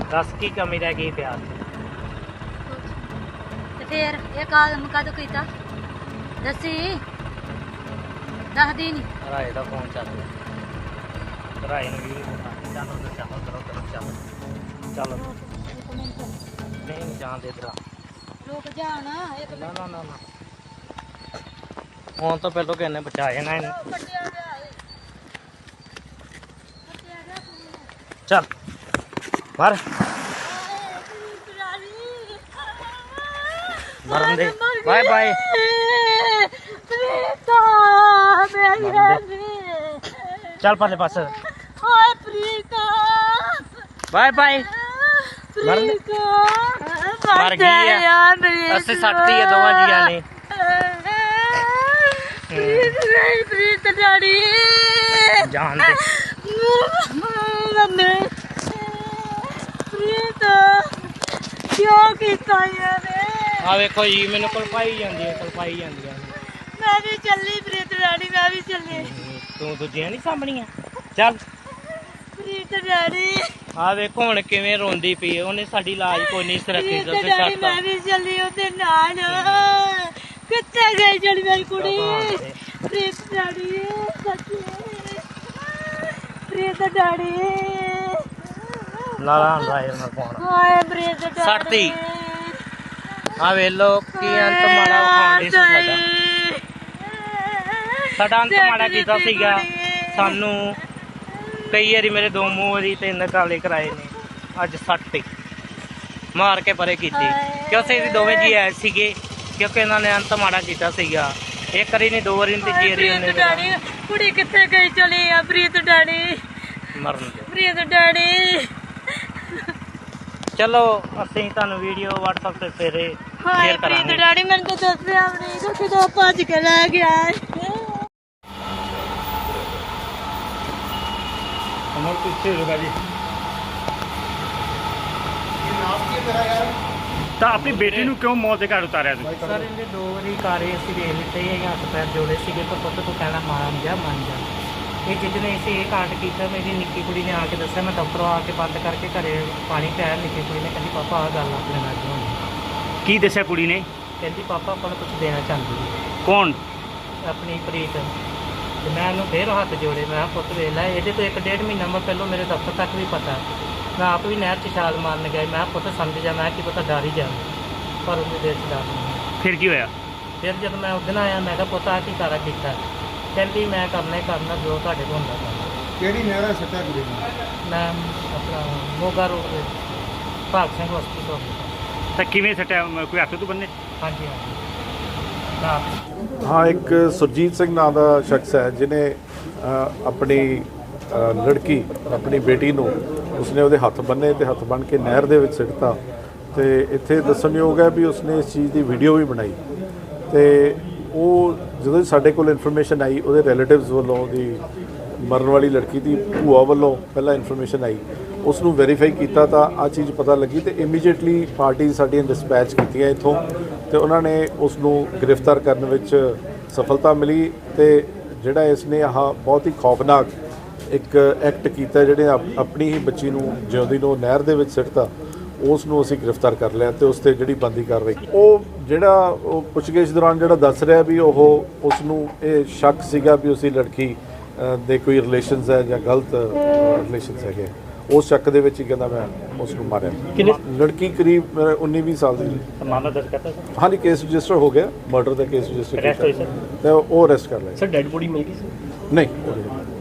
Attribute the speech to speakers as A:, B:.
A: दस की कमी रह गई प्यार में?
B: ਤੇ ਫਿਰ ਇਹ ਕਾਲਮ ਕਦੋਂ ਕੀਤਾ ਦੱਸੀ ਦੱਸਦੀ ਨਹੀਂ
A: राय का फोन चल रहा राय ने भी चलो तो चलो करो करो चलो चलो नहीं जान दे इधर
B: ਲੋਕ ਜਾਣ ਇੱਕ
A: ना ना ना ना फोन तो पहले कहने बचा जाना है
B: ਕੱਟਿਆ ਗਿਆ ਏ ਕੱਟਿਆ ਗਿਆ
A: चल मार मरन दे बाय बाय
B: प्रीता मेरी
A: चल परले पास
B: हाय प्रीता
A: बाय बाय मरन मर गई है अस्सी सटती है दोवां जियां ने
B: प्रीत डैडी
A: जान दे
B: मम्मी प्रीत क्यों कीता यार
A: आ देखो जी मैंने कलपाई जाती है
B: मैं भी चली प्रीत डैडी मैं भी चली
A: तू दूजियां नहीं सामणियां चल
B: प्रीत डैडी
A: आ देखो हुण किवें रोंदी पई है ओने साडी लाज कोई नहीं सुरक्षी
B: प्रीत
A: दस
B: डैडी मैं भी चली ओदे नाल कित्थे गई जड़ी मेरी कुड़ी प्रीत डैडी सच्ची प्रीत डैडी
A: नाला राय ना फोन
B: हाय प्रीत डैडी
A: सटती आ वे लो की अंत माड़ा खांदी सी साडा अंत माड़ा कीता सीगा सानू कई वारी मेरे दो मूंह वारी तीन काले कराए ने अज सटती मार के परे कीती क्योंकि ये दोवें जी आए सीगे क्योंकि इन्होंने अंत माड़ा कीता सीगा एक बारी नहीं दो बारी नहीं तीजी बारी
B: प्रीत डैडी कुड़ी कित्थे गई चली आ प्रीत डैडी
A: मरन दे
B: प्रीत डैडी
A: चलो ਅਸੀਂ ਤੁਹਾਨੂੰ ਵੀਡੀਓ WhatsApp ਤੇ ਫੇਰੇ
B: ਹਾਏ
A: ਸ਼ੇਅਰ
B: ਪ੍ਰੀਤ
A: ਕਰਾਂਗੇ
B: ਡੈਡੀ ਮੈਨੂੰ ਤਾਂ ਦੱਸਿਆ ਵੀ ਨਹੀਂ ਕਿ ਕਿਦੋਂ ਭੱਜ ਕੇ ਲੈ ਗਿਆ
A: ਅਮਰ ਪਿੱਛੇ ਹੋ ਜੀ
C: ਤਾਂ ਆਪਣੀ ਬੇਟੀ ਨੂੰ ਕਿਉਂ ਮੌਤ ਦੇ ਘਾਟ ਉਤਾਰਿਆ ਤੁਸੀਂ?
A: ਸਰ ਇਹਨੇ ਦੋ ਵਾਰੀ ਕਾਰੇ ਅਸੀਂ ਵੇਖ ਲਿੱਤੇ ਇਹ ਹੱਥ ਪੈਰ ਜੋੜੇ ਸੀਗੇ ਪਰ ਪੁੱਤ ਤੂੰ ਕਹਿਣਾ ਮੰਨ ਜਾ ਇਹ ਜਿੱਦਨੇ ਅਸੀਂ ਇਹ ਕਾਂਡ ਕੀਤਾ ਮੇਰੀ ਨਿੱਕੀ ਕੁੜੀ ਨੇ ਆ ਕੇ ਦੱਸਿਆ ਮੈਂ ਦਫ਼ਤਰੋਂ ਆ ਕੇ ਬੰਦ ਕਰਕੇ ਘਰੇ ਪਾਣੀ ਪਿਆਇਆ ਨਿੱਕੀ ਕੁੜੀ ਨੇ ਕਹਿੰਦੀ ਪਾਪਾ ਆਹ ਗੱਲ ਆਪਣੇ ਨਾਲ ਹੋਣੀ
C: ਕੀ ਦੱਸਿਆ ਕੁੜੀ ਨੇ?
A: ਕਹਿੰਦੀ ਪਾਪਾ ਆਪਾਂ ਨੂੰ ਕੁਝ ਦੇਣਾ ਚਾਹੁੰਦੀ ਹੈ
C: ਕੌਣ?
A: ਆਪਣੀ ਪ੍ਰੀਤ ਤੇ ਮੈਂ ਉਹਨੂੰ ਫੇਰ ਹੱਥ ਜੋੜੇ ਮੈਂ ਕਿਹਾ ਪੁੱਤ ਵੇਖ ਲੈ ਇਹਦੇ ਤੋਂ 1.5 ਮਹੀਨਾ ਮੈਂ ਪਹਿਲਾਂ ਮੇਰੇ ਦਫ਼ਤਰ ਤੱਕ ਵੀ ਪਤਾ ਮੈਂ ਆਪ ਵੀ ਨਹਿਰ 'ਚ ਛਾਲ ਮਾਰਨ ਗਿਆ ਮੈਂ ਕਿਹਾ ਪੁੱਤ ਸਮਝ ਜਾ ਮੈਂ ਕੀ ਪਤਾ ਡਰ ਹੀ ਜਾ ਪਰ ਉਹਦੇ ਦਿਲ 'ਚ ਡਰ ਨਹੀਂ
C: ਫਿਰ ਕੀ ਹੋਇਆ?
A: ਫਿਰ ਜਦੋਂ ਮੈਂ ਉਸ ਦਿਨ ਆਇਆ ਮੈਂ ਕਿਹਾ ਪੁੱਤ ਆਹ ਕੀ ਸਾਰਾ ਕੀਤਾ ਕਹਿੰਦੀ ਮੈਂ ਕਰਨਾ ਹੀ ਕਰਨਾ ਜੋ ਤੁਹਾਡੇ ਕੋਲ ਹੁੰਦਾ ਕਰਨਾ
D: ਕਿਹੜੀ ਨਹਿਰਾ ਸੱਟਾ ਕੁੜੀ ਨੂੰ?
A: ਮੈਂ ਆਪਣਾ ਮੋਗਾ ਰੋਡ ਤੇ ਭਾਗ ਸਿੰਘ ਹਸਪੀਟਲ
C: ਤਾਂ ਕਿਵੇਂ ਸੱਟਿਆ? ਕੋਈ ਹੱਥ ਤੋਂ ਬੰਨੇ?
A: ਹਾਂਜੀ ਹਾਂਜੀ ਨਾ
D: ਹਾਂ, ਇੱਕ ਸੁਰਜੀਤ ਸਿੰਘ ਨਾਂ ਦਾ ਸ਼ਖਸ ਹੈ ਜਿਨੇ ਆਪਣੀ ਲੜਕੀ ਆਪਣੀ ਬੇਟੀ ਨੂੰ ਉਸਨੇ ਉਹਦੇ ਹੱਥ ਬੰਨੇ ਤੇ ਹੱਥ ਬੰਨ ਕੇ ਨਹਿਰ ਦੇ ਵਿੱਚ ਸਿੱਟਤਾ ਤੇ ਇੱਥੇ ਦੱਸਣਯੋਗ ਹੈ ਵੀ ਉਸਨੇ ਇਸ ਚੀਜ਼ ਦੀ ਵੀਡੀਓ ਵੀ ਬਣਾਈ ਤੇ ਉਹ ਜਦੋਂ ਸਾਡੇ ਕੋਲ ਇਨਫੋਰਮੇਸ਼ਨ ਆਈ ਉਹਦੇ ਰਿਲੇਟਿਵਸ ਵੱਲੋਂ ਉਹਦੀ ਮਰਨ ਵਾਲੀ ਲੜਕੀ ਦੀ ਭੂਆ ਵੱਲੋਂ ਪਹਿਲਾਂ ਇਨਫੋਰਮੇਸ਼ਨ ਆਈ ਉਸ ਨੂੰ ਵੈਰੀਫਾਈ ਕੀਤਾ ਤਾਂ ਆਹ ਚੀਜ਼ ਪਤਾ ਲੱਗੀ ਤੇ ਇਮੀਡੀਏਟਲੀ ਪਾਰਟੀ ਸਾਡੀਆਂ ਡਿਸਪੈਚ ਕੀਤੀਆਂ ਇੱਥੋਂ ਤੇ ਉਹਨਾਂ ਨੇ ਉਸ ਨੂੰ ਗ੍ਰਿਫਤਾਰ ਕਰਨ ਵਿੱਚ ਸਫਲਤਾ ਮਿਲੀ ਤੇ ਜਿਹੜਾ ਇਸ ਨੇ ਆਹ ਬਹੁਤ ਹੀ ਖੌਫਨਾਕ ਇੱਕ ਐਕਟ ਕੀਤਾ ਜਿਹੜੇ ਆਪਣੀ ਹੀ ਬੱਚੀ ਨੂੰ ਜਿਉਂਦੀ ਨੂੰ ਨਹਿਰ ਦੇ ਵਿੱਚ ਸਿੱਟਤਾ ਉਸ ਨੂੰ ਅਸੀਂ ਗ੍ਰਿਫਤਾਰ ਕਰ ਲਿਆ ਤੇ ਉਸ ਤੇ ਜਿਹੜੀ ਬੰਦੀ ਕਾਰਵਾਈ ਉਹ ਜਿਹੜਾ ਉਹ ਪੁੱਛਗਿੱਛ ਦੌਰਾਨ ਜਿਹੜਾ ਦੱਸ ਰਿਹਾ ਵੀ ਉਹ ਉਸ ਨੂੰ ਇਹ ਸ਼ੱਕ ਸੀਗਾ ਵੀ ਉਸਦੀ ਲੜਕੀ ਦੇ ਕੋਈ ਰਿਲੇਸ਼ਨਸ ਹੈ ਜਾਂ ਗਲਤ ਰਿਲੇਸ਼ਨਸ ਹੈਗੇ ਉਸ ਸ਼ੱਕ ਦੇ ਵਿੱਚ ਹੀ ਕਹਿੰਦਾ ਮੈਂ ਉਸ ਨੂੰ ਮਾਰਿਆ। ਲੜਕੀ ਕਰੀਬ 19-20 ਸਾਲ ਦੀ
A: ਮਾਮਲਾ ਦਰਜ ਕਰਤਾ ਸਰ
D: ਹਾਂਜੀ ਕੇਸ ਰਜਿਸਟਰ ਹੋ ਗਿਆ ਮਰਡਰ ਦਾ ਕੇਸ ਰਜਿਸਟਰ
A: ਅਰੈਸਟ ਹੋਈ ਸਰ
D: ਤੇ ਉਹ ਅਰੈਸਟ ਕਰ ਲਿਆ
A: ਸਰ ਡੈਡ ਬੋਡੀ ਮਿਲ ਗਈ
D: ਨਹੀਂ